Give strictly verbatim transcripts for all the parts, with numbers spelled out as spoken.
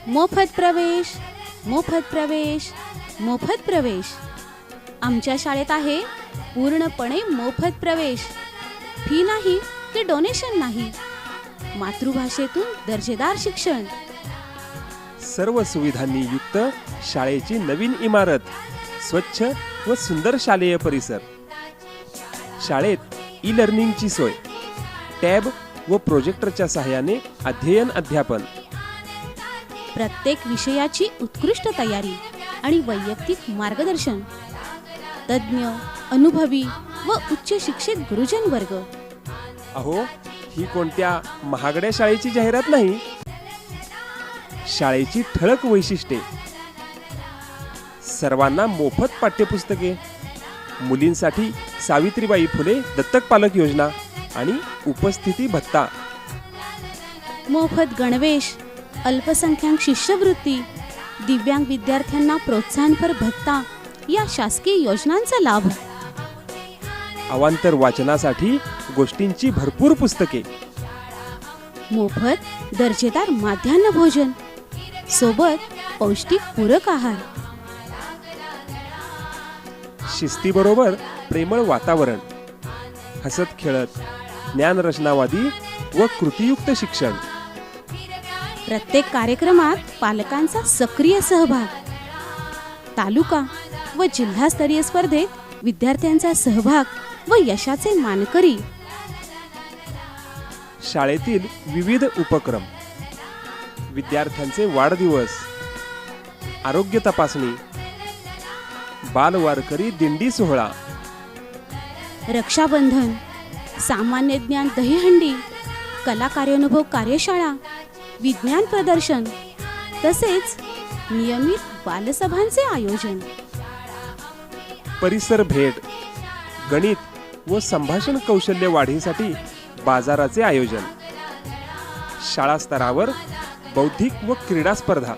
मोफत प्रवेश, मोफत प्रवेश, मोफत प्रवेश. आमच्या शाळेत आहे पूर्णपणे मोफत प्रवेश. फी नाही की डोनेशन नाही. मातृभाषेतून दर्जेदार शिक्षण. सर्व सुविधांनी युक्त शाळेची नवीन इमारत, स्वच्छ व सुंदर शालेय परिसर. शाळेत ई लर्निंगची सोय, टॅब व प्रोजेक्टरच्या सहाय्याने अध्ययन अध्यापन. प्रत्येक विषयाची उत्कृष्ट तयारी आणि वैयक्तिक मार्गदर्शन. तज्ज्ञ, अनुभवी व उच्च शिक्षित गुरुजन वर्ग. अहो, ही कोणत्या महागड्या शाळेची जाहिरात नाही. शाळेची ठळक वैशिष्ट्ये: सर्वांना मोफत पाठ्यपुस्तके, मुलींसाठी सावित्रीबाई फुले दत्तक पालक योजना आणि उपस्थिती भत्ता. मोफत गणवेश, अल्पसंख्याक शिष्यवृत्ती, दिव्यांग विद्यार्थ्यांना प्रोत्साहनपर भत्ता या शासकीय योजनांचा लाभ. अवांतर वाचनासाठी गोष्टींची भरपूर पुस्तके. मोफत दर्जेदार माध्यान्ह भोजन सोबत पौष्टिक पूरक आहार. शिस्तीबरोबर प्रेमळ वातावरण. हसत खेळत ज्ञानरचनावादी व कृतीयुक्त शिक्षण. प्रत्येक कार्यक्रमात पालकांचा सक्रिय सहभाग. तालुका व जिल्हास्तरीय स्पर्धेत विद्यार्थ्यांचा सहभाग व यशाचे मानकरी. शाळेतील विविध उपक्रम, विद्यार्थ्यांचे वाढदिवस, आरोग्य तपासणी, बालवारकरी दिंडी सोहळा, रक्षाबंधन, सामान्य ज्ञान दहीहंडी, कला कार्यानुभव कार्यशाळा, विज्ञान प्रदर्शन तसेच नियमित बालसभांचे आयोजन. परिसर भेट, गणित व संभाषण कौशल्य वाढीसाठी बाजाराचे आयोजन. शाळा स्तरावर बौद्धिक व क्रीडा स्पर्धा.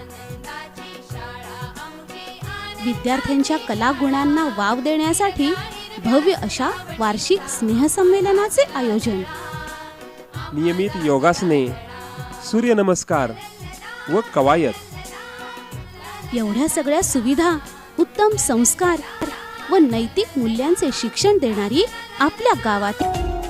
विद्यार्थ्यांच्या कला गुणांना वाव देण्यासाठी भव्य अशा वार्षिक स्नेहसंमेलनाचे आयोजन. नियमित योगासने, सूर्यनमस्कार व कवायत. एवढ्या सगळ्या सुविधा, उत्तम संस्कार व नैतिक मूल्यांचे शिक्षण देणारी आपल्या गावात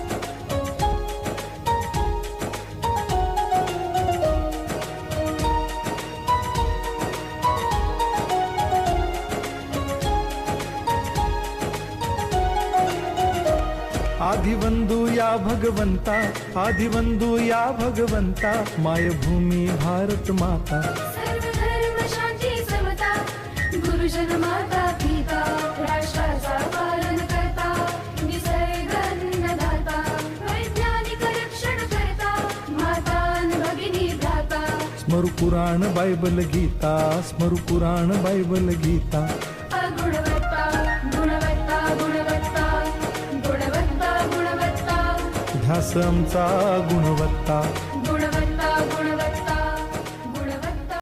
आदिवंदू या भगवंता, आदिवंदू या भगवंता, मायभूमी भारत माता. सर्व धर्म शांती समता, गुरुजन माता पिता, राष्ट्राचा पालन करता, निसर्ग अन्नदाता, वैज्ञानिक रक्षण करता, माता अन भगिनी भ्राता. स्मरू पुराण बायबल गीता, स्मरू पुराण बायबल गीता. गुणवत्ता गुणवत्ता गुणवत्ता गुणवत्ता गुणवत्ता. ध्यास आमचा गुणवत्ता. गुणवत्ता